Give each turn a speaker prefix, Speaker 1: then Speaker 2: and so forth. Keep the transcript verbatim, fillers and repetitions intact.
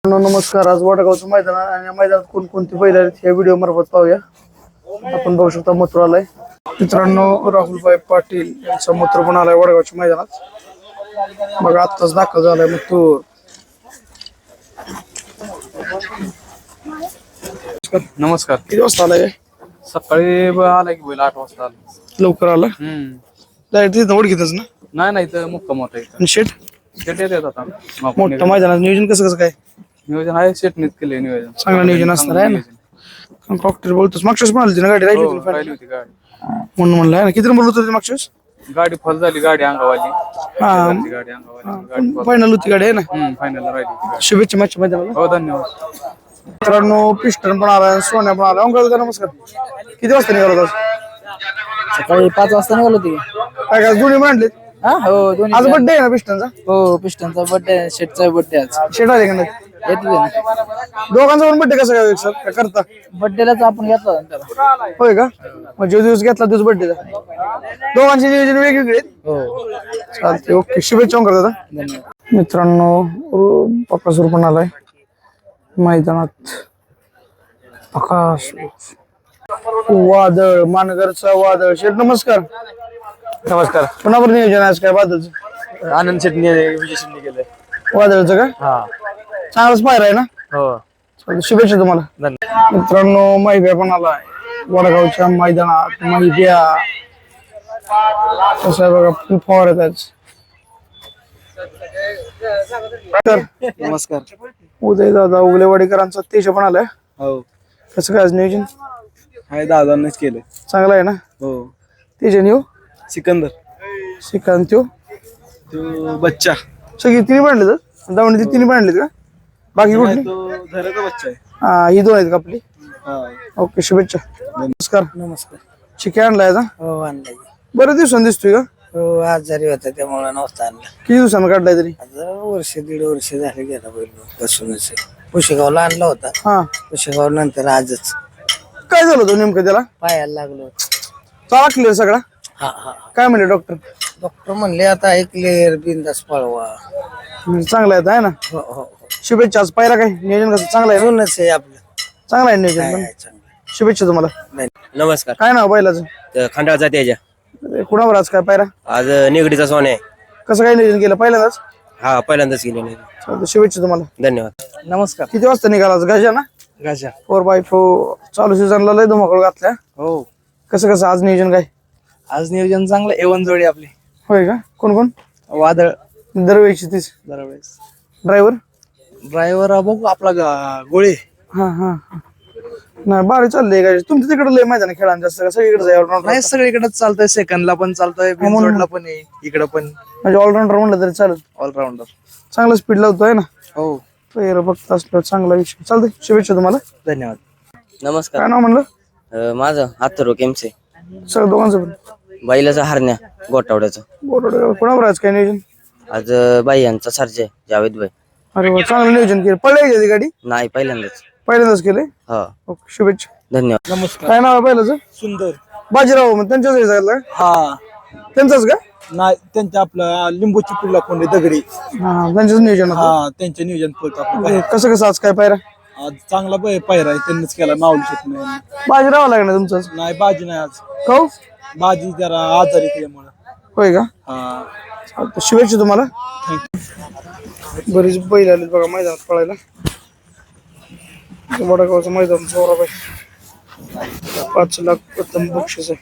Speaker 1: नमस्कार. आज वडगावचं मैदान आहे आणि या मैदानात कोणकोणती बैल आहेत या व्हिडिओ मार्फत पाहूया. आपण बघू शकता मथुर आलाय. मित्रांनो, राहुलभाई पाटील यांचा मथुर पण आलाय वडगावच्या मैदानात. बघा आत्ताच दाखल झालाय मथुर.
Speaker 2: नमस्कार.
Speaker 1: किती वाजता आलाय?
Speaker 2: सकाळी आला की बैल आठ वाजता आला.
Speaker 1: लवकर आला.
Speaker 2: हम्म
Speaker 1: डायरेक्ट तिथं ओळखीतच ना?
Speaker 2: नाही नाही तर मुक्काम होता इथं.
Speaker 1: आणि शेट
Speaker 2: शेट येतात आता.
Speaker 1: मोठं मैदानात नियोजन कसं कसं काय?
Speaker 2: नियोजन आहे, शेटनीच केले नियोजन.
Speaker 1: चांगलं नियोजन असणार आहे ना. डॉक्टर बोलतोस मागच्या वेळेस पण आली होती ना गाडी? राहिली
Speaker 2: हो,
Speaker 1: होती ना
Speaker 2: राहिली होती गाडी
Speaker 1: म्हणून म्हणलं आहे ना. किती नंबर होतं मागच्या वेळेस?
Speaker 2: गाडी फल झाली, गाडी अंगावाली.
Speaker 1: हा
Speaker 2: शेजारची गाडी अंगावाली.
Speaker 1: फायनल होती गाडी आहे ना.
Speaker 2: हम्म फायनल राहिली होती गाडी.
Speaker 1: शुभेच्छा मॅच मैदानाला.
Speaker 2: हो धन्यवाद.
Speaker 1: मित्रांनो, पिस्टन पण आलाय, सोन्या पण आलाय. अंकल नमस्कार. किती वाजता निघाला आज?
Speaker 3: सकाळी पाच वाजता निघालो होती.
Speaker 1: काय काय दोन्ही मांडलेत?
Speaker 3: हा हो दोन्ही.
Speaker 1: आज बर्थडे आहे ना पिस्टनचा?
Speaker 3: हो पिस्टनचा बर्थडे, शेटचा बर्थडे आज.
Speaker 1: शेट आले का नाही?
Speaker 3: येतले ना.
Speaker 1: दोघांचा पण बर्थडे कसा काय सर काय करता?
Speaker 3: बर्थडेलाच आपण घेतला त्याला.
Speaker 1: होय का? मग जो दिवस घेतला दिवस बर्थडेचा. दोघांचे नियोजन वेगवेगळे आहेत.
Speaker 3: हो
Speaker 1: चालते. ओके. शुभेच्छा करतो दादा.
Speaker 3: धन्यवाद.
Speaker 1: मित्रांनो, पकासूर पण आलाय मैदानात. आकाश वादळ, मानगरचा वादळ. शेठ नमस्कार.
Speaker 4: नमस्कार.
Speaker 1: कोणावर नियोजन आज काय वादळचं?
Speaker 4: आनंद शेटणी विजय शेटणी केलंय.
Speaker 1: वादळचं का?
Speaker 4: हा
Speaker 1: चांगलाच पाहिजे आहे ना.
Speaker 4: हो
Speaker 1: चालतंय. शुभेच्छा तुम्हाला.
Speaker 4: धन्यवाद.
Speaker 1: मित्रांनो, माहिब्या पण आलाय वडगावच्या मैदानात. माहिब्या कसं आहे बघा, फुल फवार आहेत. तर
Speaker 4: नमस्कार.
Speaker 1: उदय दादा उगलेवाडीकरांचा तेज पण आलाय.
Speaker 4: हो
Speaker 1: कसं काय आज नियोजन?
Speaker 4: हाय दादांनीच केलंय.
Speaker 1: चांगलं आहे ना.
Speaker 4: हो
Speaker 1: तेजन येऊ
Speaker 4: सिकंदर
Speaker 1: श्रीकांत येऊ
Speaker 4: तो बच्चा
Speaker 1: सगळी तिन्ही बांधले तर दावणी तिन्ही बांधलेत का? बाकी कुठली?
Speaker 4: तो धराचा बच्चा आहे.
Speaker 1: हा ही दोन आहेत का आपली?
Speaker 4: हा
Speaker 1: ओके. शुभेच्छा. नमस्कार.
Speaker 3: नमस्कार.
Speaker 1: चिके आणलाय का?
Speaker 3: हो आणलाय.
Speaker 1: बरेच दिवसांनी दिसतोय का?
Speaker 3: हो आजारी होता त्यामुळे नव्हता आणला.
Speaker 1: किती दिवसांनी काढलाय तरी?
Speaker 3: आता वर्ष दीड वर्ष झाले गेला बैल बसूनच. पुशेगावला आणला होता.
Speaker 1: हा
Speaker 3: पुशेगाव नंतर आजच
Speaker 1: काय झालं होतं नेमकं त्याला?
Speaker 3: पायाला लागलो.
Speaker 1: चाला क्लिअर सगळा?
Speaker 3: हा हा.
Speaker 1: काय म्हणले डॉक्टर?
Speaker 3: डॉक्टर म्हणले आता एक क्लिअर बिंदास पळवा.
Speaker 1: चांगला आहे आहे ना.
Speaker 3: हो हो.
Speaker 1: शुभेच्छा. आज पाहिला काय नियोजन कसं? चांगलं आहे.
Speaker 3: म्हणूनच आहे आपलं.
Speaker 1: चांगलं आहे नियोजन पण.
Speaker 3: चांगलं.
Speaker 1: शुभेच्छा तुम्हाला.
Speaker 5: नमस्कार.
Speaker 1: काय नाव बैलाचं?
Speaker 5: खंडाळचा तेजा.
Speaker 1: कुणावर आज काय पायरा?
Speaker 5: आज निगडीचा सोने.
Speaker 1: कसं काय नियोजन केलं पहिल्यांदाच?
Speaker 5: हा पहिल्यांदाच गेले नाही.
Speaker 1: चालतंय. शुभेच्छा तुम्हाला.
Speaker 5: धन्यवाद.
Speaker 3: नमस्कार.
Speaker 1: किती वाजता निघाला आज? गाजा ना?
Speaker 3: गाजा.
Speaker 1: फोर बाय फोर चालू सीझनला लय धुमाकूळ घातल्या.
Speaker 3: हो
Speaker 1: कसं कसं आज नियोजन काय?
Speaker 3: आज नियोजन चांगलं. एवन जोडी आपली.
Speaker 1: होय का? कोण कोण?
Speaker 3: वादळ
Speaker 1: दरवेळीची तीस.
Speaker 3: दरवेळेस.
Speaker 1: ड्रायव्हर?
Speaker 3: ड्रायव्हर बघू आपला गा- गोळे.
Speaker 1: हा हा हा. नाही भारी चाललंय काय तुमच्या तिकडे लय मैदान खेळायला जास्त का? सगळीकडे जाय ऑलराऊंडर.
Speaker 3: नाही सगळीकडेच चालतंय. सेकंडला पण चालतंय, बिनजोडला पण आहे, इकडं पण
Speaker 1: म्हणजे ऑलराऊंडर म्हणलं तरी चालेल.
Speaker 3: ऑलराऊंडर.
Speaker 1: चांगलं स्पीड लावतोय ना.
Speaker 3: हो
Speaker 1: पहिलं बघत असलं चांगला विषय. चालतंय. शुभेच्छा तुम्हाला.
Speaker 3: धन्यवाद.
Speaker 5: नमस्कार.
Speaker 1: काय नाव म्हणलं?
Speaker 5: अं, माझं हातरो केमचे.
Speaker 1: सगळं दोघांचं पण
Speaker 5: बैलाचा हरण्या गोटावड्याचा.
Speaker 1: बोर्ड कोणावर आज काय नियोजन?
Speaker 5: आज अं, बाई यांचा सर्जे जावेद भाई.
Speaker 1: अरे वा, चांगलं नियोजन केलं. पळायची ती गाडी?
Speaker 5: नाही पहिल्यांदाच.
Speaker 1: पहिल्यांदाच केले.
Speaker 5: हा
Speaker 1: ओके. शुभेच्छा.
Speaker 5: धन्यवाद.
Speaker 3: नमस्कार.
Speaker 1: काय नाव आहे पहिल्याचं?
Speaker 3: सुंदर.
Speaker 1: बाजीराव. मग त्यांच्याच हे झालं?
Speaker 3: हा
Speaker 1: त्यांचाच का?
Speaker 3: नाही त्यांच्या आपला लिंबूची पुल्ला कोंडे दगडी.
Speaker 1: हा त्यांच्याच नियोजन होतं.
Speaker 3: हा त्यांचे नियोजन पळतो आपलं.
Speaker 1: कसं कसं आज काय पायरा?
Speaker 3: आज चांगला बै- पायरा आहे त्यांनीच केला. माऊली शेट नाही.
Speaker 1: बाजीराव लागणार तुमचाच?
Speaker 3: नाही बाजी नाही आज.
Speaker 1: हो
Speaker 3: बाजी जरा आजारी केल्यामुळे.
Speaker 1: होय का?
Speaker 3: हा
Speaker 1: चालतंय. शुभेच्छा तुम्हाला. बरीच बैल आली बघा मैदानात पळायला. वडगावचं मैदान जोराबाई. पाच लाख प्रथम बक्षीस आहे.